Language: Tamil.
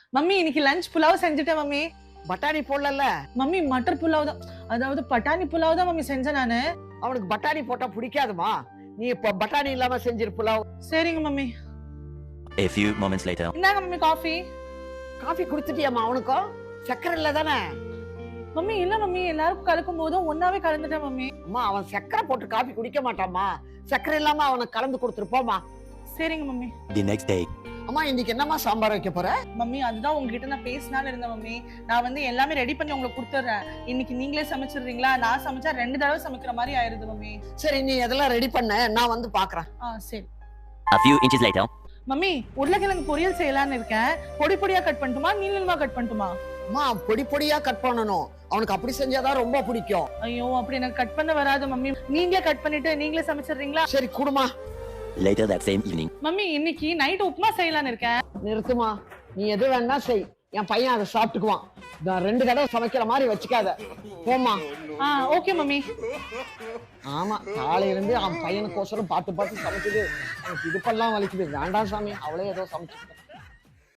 மம்மி இன்னைக்கு லஞ்ச் புலாவ் செஞ்சுட்டேன் மம்மி. பட்டாணி போடல. மம்மி மட்டர் புலாவ் தான், அதாவது பட்டாணி புலாவ் தான் மம்மி செஞ்சேன் நானு. அவனுக்கு பட்டாணி போட்டா பிடிக்காதுமா. நீ இப்ப பட்டாணி இல்லாம செஞ்சிரு புலாவ். சரிங்க mummy. A few moments later. இந்தாங்க மம்மி காஃபி. காஃபி குடுத்துட்டியாமா அவனுக்கும்? சக்கரை இல்ல தானே? மம்மி இல்ல மம்மி, எல்லாருக்கும் கலக்கும் போதும் ஒன்னாவே கலந்துட்டேன் மம்மி. அம்மா அவன் சக்கரை போட்டு காஃபி குடிக்க மாட்டாமா. சக்கரை இல்லாம அவனுக்கு கலந்து கொடுத்துருப்போமா. சரிங்க மம்மி. The next day. அம்மா இன்னைக்கு என்னம்மா சாம்பார் வைக்க போற? மம்மி அதுதான் உங்ககிட்ட நான் பேசினாலும் இருந்தேன் மம்மி. நான் வந்து எல்லாமே ரெடி பண்ணி உங்களுக்கு கொடுத்துட்றேன். இன்னைக்கு நீங்களே சமைச்சிடுறீங்களா? நான் சமைச்சா 2 தடவை சமைக்கிற மாதிரி ஆயிருது மம்மி. சரி நீ எதெல்லாம் ரெடி பண்ண, நான் வந்து பாக்குறேன். சரி. A few inches later. Mummy உருளைக்கிழங்கு பொரியல் செய்யலான்னு இருக்கேன். பொடி பொடியா கட் பண்ணட்டுமா, நீள நீளமா கட் பண்ணட்டுமா? அம்மா பொடி பொடியா கட் பண்ணணும். அவனுக்கு அப்படி செஞ்சாதான் ரொம்ப பிடிக்கும். ஐயோ அப்படி எனக்கு கட் பண்ண வராது மம்மி. நீங்களே கட் பண்ணிட்டு நீங்களே சமைச்சிடுறீங்களா? சரி குடுமா. Later that same evening. Mummy இன்னைக்கு நைட் உப்புமா செய்யலான்னு இருக்கேன். நிறுத்துமா. நீ எது வேணா செய், என் பையன் அதை சாப்பிட்டுக்குவான். நான் 2 தடவை சமைக்கிற மாதிரி வச்சுக்காத. போமா. Okay mummy. ஆமா காலையில இருந்து அவன் பையனுக்கோசரம் பார்த்து பார்த்து சமைக்குது. எனக்கு இடுப்பெல்லாம் வலிக்குது. வேண்டாம் சாமி, அவளே ஏதோ சமைச்சு